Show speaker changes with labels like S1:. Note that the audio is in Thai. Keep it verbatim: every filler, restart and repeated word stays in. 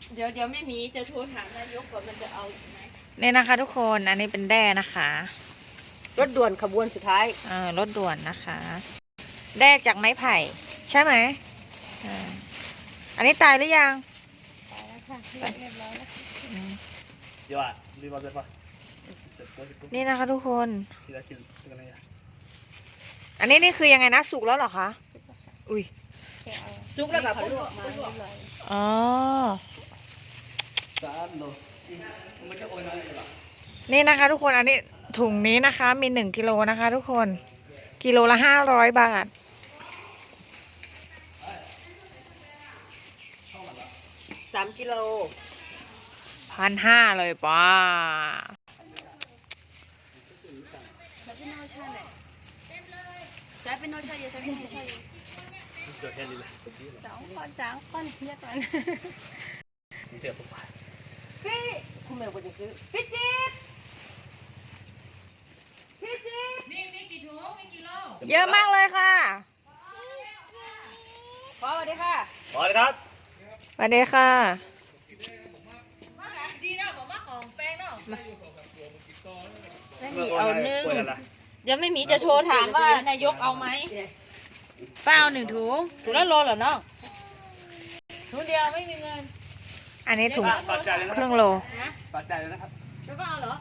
S1: เดี๋ยวเดี๋ยวไม่มีจะโทรถามนายกก่อนมันจะเอาไหม
S2: นี่นะคะทุกคน อันนี้เป็นแด้นะคะ
S3: รถด่วนขบวนสุดท้าย
S2: เออรถด่วนนะคะ แด้จากไม้ไผ่ ใช่ไหมอ่าอันนี้ตายหรือยัง
S1: ไปแล้วค่ะเรียบร้อยแล้ว
S2: อืม
S4: เดี๋ยวอ่ะรีบมาเลยป่ะ
S2: นี่นะคะทุกคน
S4: ทีละคิวเป็นไงอ่ะ
S2: อันนี้นี่คือยังไงนะ สุกแล้วเหรอคะ อุ้ย
S1: แกเอา
S3: ซุกแล้วกับ
S1: เขาลวกมาเรียบร้อย
S2: อ๋อ
S4: สามโลมันจะโอนอะไรหรอ
S2: นี่นะคะทุกคน อันนี้ถุงนี้นะคะ มีหนึ่งกิโลนะคะ ทุกคน กิโลละห้าร้อยบาท
S3: สามกิโล
S2: พันห้าเลยป้า
S1: แล้วพี่โน้ตช่วยหน่อยใช้เป็นโน้ตช่วยเยอะใช้เป็นโน้ตช่วยเยอะ
S4: เจอแค่นี้แหละ
S1: สองคนสามคนเยอะกัน
S4: นี่เจอปุ๊บ
S3: พี่คุณแม่ควรจะซื้อ
S1: พี่จิ๊บพี่จิ๊บมีมีกี่ถุงมีกี่โล
S2: เยอะมากเลยค่ะ
S3: พอสวัสดีค่ะ
S4: พอเลยครับ
S2: สวัสดีค่ะ
S1: ดีเนาะบอกว่าของแป้งเนาะ
S3: ไม่มีเอาหนึ่ง
S1: เดี๋ยวไม่มีจะโทรถามว่านายกเอาไหมป้าเอาหนึ่งถุงถุงละโลเหรอน้องถุงเดียวไม่มีเงิน
S2: อันนี้ถุง
S4: ปัจจัยเลยนะ
S2: ครึ่งโล
S1: นะ
S4: ปัจจัยเลยนะครับ
S1: แล้วก็เอาเหรอ